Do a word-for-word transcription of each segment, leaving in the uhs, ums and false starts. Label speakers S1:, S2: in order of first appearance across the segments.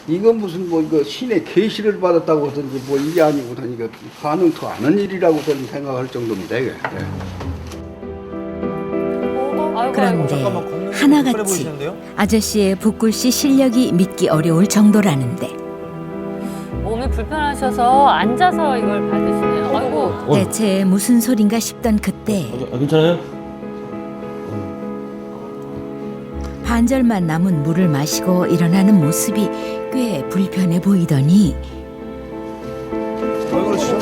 S1: 이건 무슨 뭐 이거 신의 계시를 받았다고 하든지 뭐 이게 아니고는 이거 가능도 않은 일이라고 저는 생각할 정도입니다. 이게. 예.
S2: 그런데
S3: 걷는 게
S2: 하나같이
S3: 불편해 보이시는데요?
S2: 아저씨의 붓글씨 실력이 믿기 어려울 정도라는데
S4: 몸이 불편하셔서 앉아서 이걸 받으시네요. 아이고.
S2: 대체 무슨 소린가 싶던 그때
S5: 아, 괜찮아요?
S2: 반절만 남은 물을 마시고 일어나는 모습이 꽤 불편해 보이더니
S3: 왜 그러시죠?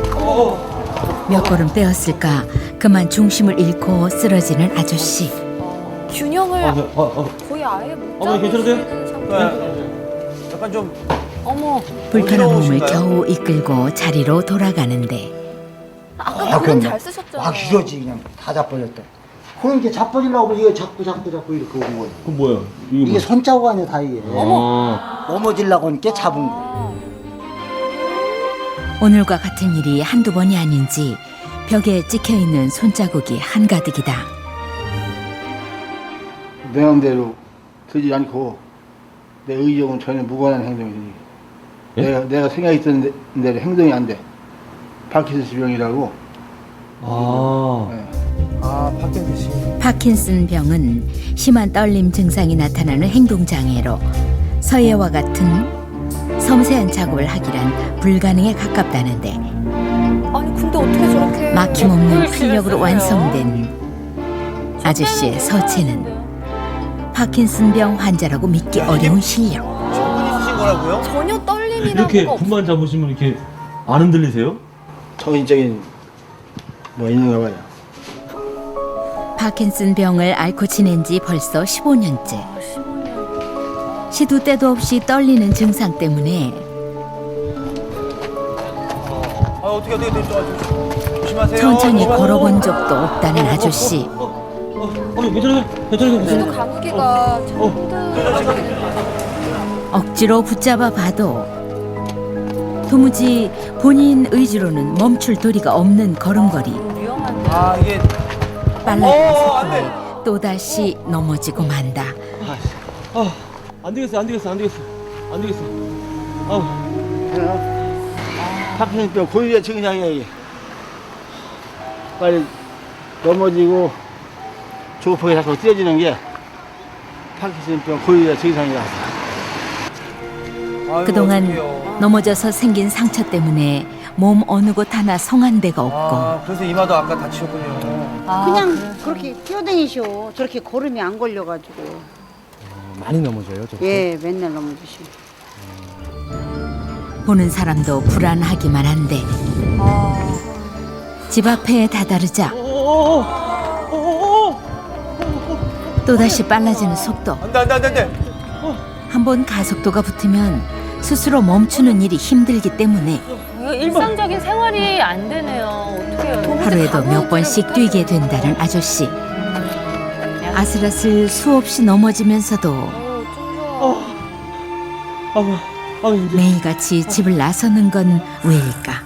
S2: 몇 걸음 떼었을까 그만 중심을 잃고 쓰러지는 아저씨.
S4: 균형을
S5: 아, 아, 아.
S4: 거의 아예 못
S5: 어머니 괜찮으세요?
S4: 잡으시는 상태.
S3: 네. 약간 좀
S4: 어머.
S2: 불편한 몸을
S3: 어지러우신가요?
S2: 겨우 이끌고 자리로 돌아가는데
S4: 아까 그건 잘 쓰셨잖아요.
S6: 막 이러지 그냥 다 자빠졌다. 그럼 이렇게 자빠지려고 하면 이거 자꾸 자꾸 자꾸 이렇게 온 거예요.
S5: 그럼 뭐야? 이게
S6: 이게
S5: 뭐야?
S6: 손자국 아니야 다 이게.
S5: 아,
S6: 넘어지려고 하니까 잡은 거.
S2: 오늘과 같은 일이 한두 번이 아닌지 벽에 찍혀있는 손자국이 한가득이다.
S1: 내 마음대로 되지 않고 내 의욕은 전혀 무관한 행동이지.
S5: 예?
S1: 내가 내가 생각이 있던 대로 행동이 안 돼. 파킨슨 병이라고.
S5: 아,
S1: 예.
S3: 아 파킨슨.
S2: 파킨슨 병은 심한 떨림 증상이 나타나는 행동장애로 서예와 같은 섬세한 작업을 하기란 불가능에 가깝다는데
S4: 아니 근데 어떻게 저렇게
S2: 막힘없는
S4: 글씨를
S2: 활력으로
S4: 쓰세요?
S2: 완성된 아저씨의 서체는 파킨슨병 환자라고 믿기 어려운 실력.
S3: 충분히 쓰신 거라고요?
S4: 전혀 떨림이나
S5: 이렇게
S4: 뭐가
S5: 붓만 잡으시면 이렇게 안 흔들리세요?
S1: 정신적인 뭐 있는가 봐요.
S2: 파킨슨병을 앓고 지낸 지 벌써 십오 년째.
S4: 없어. 십오 년.
S2: 시도 때도 없이 떨리는 증상 때문에
S3: 아 어떻게 어떻게 어떻게 좀 조심하세요.
S2: 천천히
S3: 조심하세요.
S2: 걸어본 적도 없다는 아저씨.
S5: 어, 어, 괜찮아요? 괜찮아요?
S4: 그래도
S5: 괜찮아요?
S4: 감기가 참 힘들어지겠는데.
S2: 억지로 붙잡아 봐도 도무지 본인 의지로는 멈출 도리가 없는 걸음걸이.
S4: 위험한데.
S3: 아 이게
S2: 빨라진
S3: 어, 안 돼.
S2: 속도에 또다시 넘어지고 만다.
S5: 아, 안 되겠어, 안 되겠어, 안 되겠어, 안 되겠어. 아,
S1: 파킨슨병 고유의 증상이야 이게. 빨리 넘어지고 조급하게 자꾸 쓰러지는 게 파킨슨병 고유의 증상이라.
S3: 아이고,
S2: 그동안
S3: 어떡해요.
S2: 넘어져서 생긴 상처 때문에 몸 어느 곳 하나 성한 데가 없고
S3: 아 그래서 이마도 아까 다치셨군요.
S4: 아,
S7: 그냥
S4: 그래.
S7: 그렇게 뛰어다니셔. 저렇게 걸음이 안 걸려가지고.
S6: 많이 넘어져요. 저.
S7: 예, 맨날 넘어지셔.
S2: 보는 사람도 불안하기만 한데
S4: 아,
S2: 집 앞에 다다르자
S5: 어,
S2: 또다시 빨라지는 속도.
S3: 안돼 안돼 안돼 안돼.
S2: 한번 가속도가 붙으면 스스로 멈추는 일이 힘들기 때문에
S4: 이거 일상적인 생활이 안 되네요. 어떡해요.
S2: 하루에도 몇 번씩 뛰게 된다는 아저씨. 아슬아슬 수없이 넘어지면서도
S4: 어, 좀 좋아.
S5: 아, 아, 이제.
S2: 매일같이 집을 나서는 건 왜일까?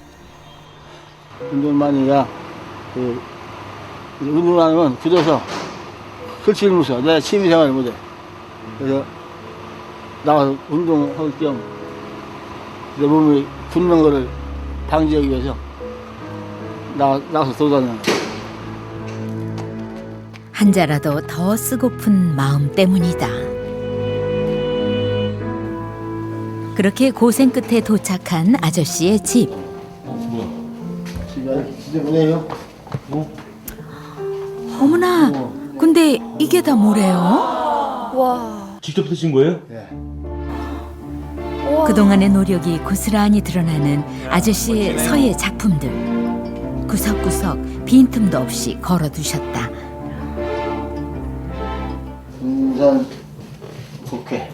S1: 운동만이야. 그 운동을 안 하면 굳어서 글씨를 못 써. 내 취미생활을 못해. 그래서 나가서 운동할 겸 내 몸이 굳는 거를 방지하기 위해서 나, 나가서 돌아다니는 거야.
S2: 한자라도 더 쓰고픈 마음 때문이다. 그렇게 고생 끝에 도착한 아저씨의 집.
S5: 뭐야?
S1: 집에 집에 보내요.
S2: 어머나, 근데 이게 다 뭐래요?
S4: 와.
S5: 직접 쓰신 거예요?
S1: 예.
S4: 와.
S2: 그동안의 노력이 고스란히 드러나는 아저씨의 서예 작품들. 구석구석 빈틈도 없이 걸어두셨다.
S1: 군산 국회.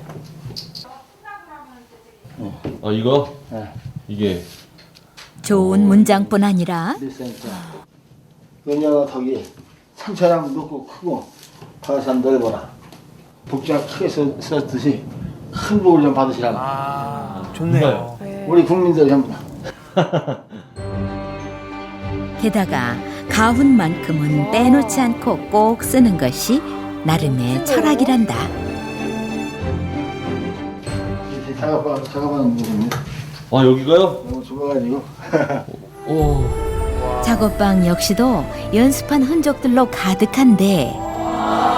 S5: 아, 이거?
S1: 예.
S5: 이게.
S2: 좋은 문장뿐 아니라
S1: 일센터. 왜냐면 거기 상처랑 높고 크고 바다산 넓어라. 복장 크게 써- 썼듯이 큰 복을 좀 받으시라고.
S3: 아 좋네요.
S1: 우리 국민들 전부 다.
S2: 게다가 가훈만큼은 빼놓지 않고 꼭 쓰는 것이 나름의 철학이란다.
S1: 이 작업하, 작업하는 곳인데
S5: 아 여기가요?
S1: 너무 좁아가지고.
S5: 오.
S2: 작업방 역시도 연습한 흔적들로 가득한데